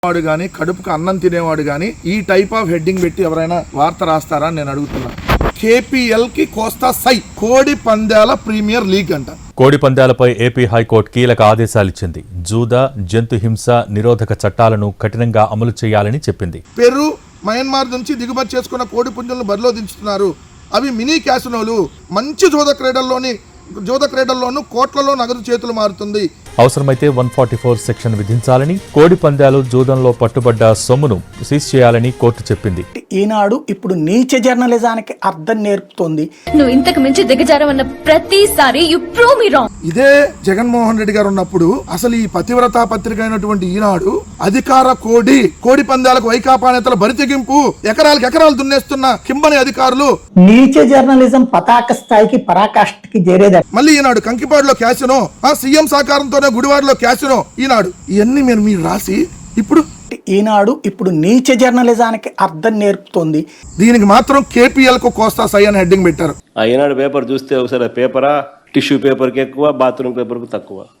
వాడు గాని కడుపుకు అన్నం తినేవాడు గాని ఈ టైప్ ఆఫ్ హెడ్డింగ్ పెట్టి ఎవరైనా వార్త రాస్తారా అని నేను అడుగుతున్నా. కేపీఎల్ కి కోస్తా సై కోడి పందాల ప్రీమియర్ లీగ్ అంట. కోడి పందాలపై ఏపీ హైకోర్టు కీలక ఆదేశాలిచ్చింది. జూద, జంతు హింస నిరోధక చట్టాలను కఠినంగా అమలు చేయాలని చెప్పింది. పెరు, మయన్మార్ నుంచి దిగుమతి చేసుకున్న కోడి పుంజులను బరిలో దించుతున్నారు. అవి మినీ క్యాసినోలు. మంచి జూద క్రీడల్లోనూ కోట్లలో నగదు చేతులు మారుతుంది. అవసరమైతే 144 సెక్షన్ విధించాలని, కోడి పందాలు జూదంలో పట్టుబడ్డ సొమ్మును సీజ్ చేయాలని కోర్టు చెప్పింది. ఈనాడు ఇప్పుడు నీచ జర్నలిజానికి అర్థం నేర్పుతోంది. నువ్వు ఇంతకు మించి దిగజారవన్న ప్రతిసారి యు ప్రూవ్ మీ రాంగ్. ఇదే జగన్మోహన్ రెడ్డి గారు ఉన్నప్పుడు అసలు ఈ పతివ్రతా పత్రిక అయినటువంటి ఈనాడు అధికార కోడి పందాలకు వైకాపా నేతల బరితెగింపు, ఎకరాలు దున్నేస్తున్న కింబని అధికారులు, నీచ జర్నలిజం పతాక స్థాయికి పరాకాష్ఠకి చేరేది. మళ్ళీ ఈనాడు కంకిపాడులో క్యాసినో, సీఎం సహకారంతోనే గుడివాడలో క్యాసినో. ఈనాడు ఇవన్నీ మీరు రాసి ఇప్పుడు ఈనాడు ఇప్పుడు నీచ జర్నలిజానికి అర్థం నేర్పుతోంది. దీనికి మాత్రం కేపీఎల్ కు కోస్తా సై అని హెడ్డింగ్ పెట్టారు. ఈనాడు పేపర్ చూస్తే ఒకసారి పేపరా టిష్యూ పేపర్కి ఎక్కువ, బాత్రూమ్ పేపర్కి తక్కువ.